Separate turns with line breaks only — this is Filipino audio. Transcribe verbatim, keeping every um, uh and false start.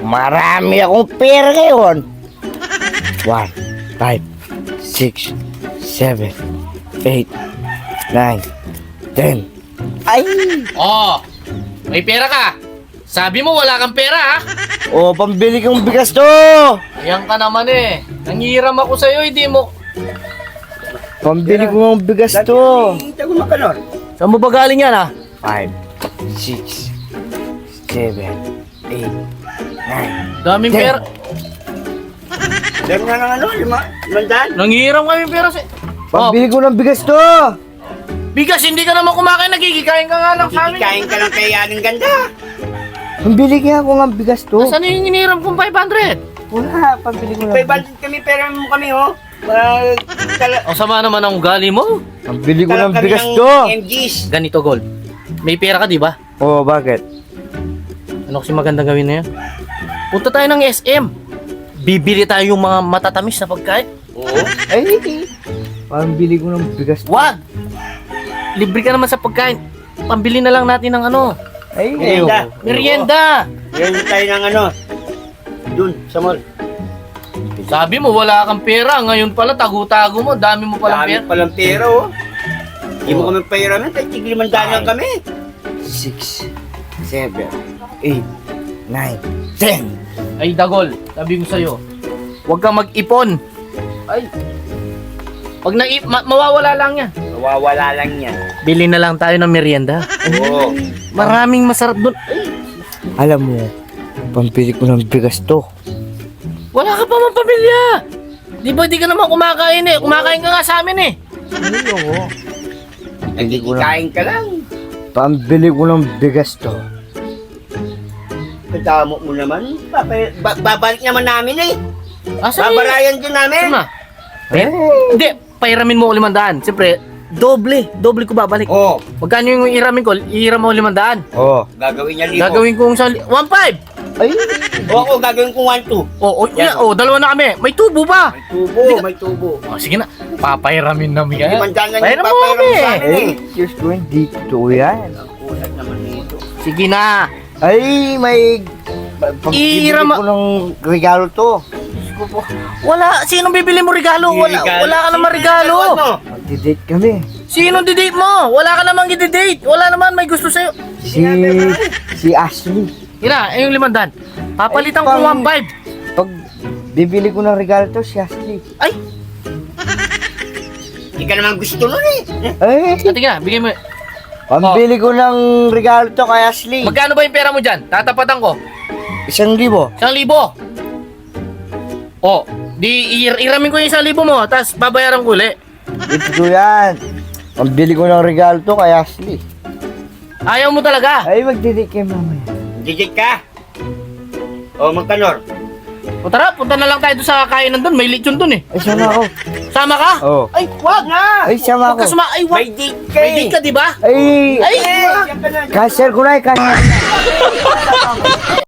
Marami akong pera ngayon. One, five, six, seven, eight, nine, ten. Ay!
Oh, may pera ka. Sabi mo wala kang pera, ha?
O, pambili kong bigas to.
Ayan ka naman eh. Nangihiram ako sa'yo, hindi mo...
Pambili ko ng bigas to.
Tago makanor.
Saan mo ba galing yan, ha?
Five, six, seven, eight, nine.
Daming
Ten.
pera.
Dami nga ng ano, lima, limandaan.
Nangihiram kami pera sa... Oh,
Pambili ko ng bigas to.
bigas, hindi ka naman kumakain, nagkikikain ka nga lang sa amin.
Kikain ka lang kay Aling Ganda.
Pambili kaya ako ng bigas to.
Saan yung hinihiram kong five hundred?
Wala, pambili ko ng
May bandit kami, pera mo kami, oh. Uh, tala-
Ang sama naman ang ugali mo.
Pambili ko ng
talag kami
bigas
ng
to.
M Gs.
Ganito, Gold. May pera ka, di ba?
Oh, bakit?
Ano kasi magandang gawin na yan? Punta tayo ng S M. Bibili tayo yung mga matatamis na pagkain.
Oo.
Ay, pambili ko ng bigas to.
Wag! Libre ka naman sa pagkain. Pambili na lang natin ng ano.
Ay,
Merienda.
ayoko.
Merienda!
Yan tayo ng ano. Dun, sa mall.
Sabi mo wala kang pera. Ngayon pala tago-tago mo. Dami mo palang
Dami
pera.
palang pera, oh. Hindi mo kami pairamin, kahit tig limandaan lang kami.
Six, seven, eight, nine, ten.
Ay, Dagol. Sabi ko sa'yo. Huwag kang mag-ipon. Ay. Pag na ma- mawawala lang yan.
Nawawala lang yan.
Bili na lang tayo ng merienda.
Oo.
Maraming masarap doon.
Alam mo, pambili ko ng bigas to.
Wala ka pa mang pamilya. Di ba di ka naman kumakain eh? Kumakain ka nga sa amin eh.
Ayoko.
Nagkikain ka lang.
Pambili ko ng bigas to.
Kadamo mo naman. Papa- ba- babalik naman namin eh.
Asa
Babarayan din namin.
Saan na? Eh, hindi, pairamin mo ko limandaan. Siyempre, doble. Doble ko babalik.
Oo.
Magkano yung iramin ko? Ihiram mo limandaan.
Oh.
Gagawin niya libo.
Gagawin ko sa one five.
Ay,
O ako, gagawin ko one two.
Oh, oh, yeah, oh, dalawa na kami. May tubo ba?
May tubo, may tubo.
Oh, sige na. Papairamin namin yan.
Limandaan lang yung
Pahiram mo
papayram
kami.
sa amin
eh,
eh.
just going dito yan.
Ang kulat naman nito.
Sige na.
Ay, may... Pambili
Iram-
ko ng regalo to.
Wala. Sinong bibili mo regalo? Wala,
Regalo.
wala ka namang regalo.
Ano?
Magdi-date kami.
Sinong didate mo? Wala ka namang i-date. Wala naman may gusto sa'yo.
Si... Si Ashley.
Hina, eh, yung limandaan. Papalitan
Ay,
ko
pang-
one five.
Pag bibili ko ng regalo to, si Ashley.
Ay,
Hindi ka naman gusto nun eh.
Ay,
ate ka, bigay mo.
pambili ko ng regalo to kay Ashley.
Magkano ba yung pera mo dyan? Tatapatan ko.
Isang libo.
Isang libo. Oh, di ir iramin ko yung isang libo mo, tapos babayaran ko uli.
Ito yan. Pambili ko ng regalo to kay Ashley.
Ayaw mo talaga.
Ay, magdi-date kayo mamaya.
Digit ka. O, magkanor.
O tara, punta na lang tayo doon sa kainan doon. May lechon doon eh.
Ay, sama ako.
Sama ka?
Oo.
Ay, wag na.
Ay, sama
Wag ka
ako.
suma. Ay, wag.
May date ka
May
eh.
date ka, di ba?
Ay,
Ay,
Eh,
wag.
yan ka na.
cancel ko na eh, cancel.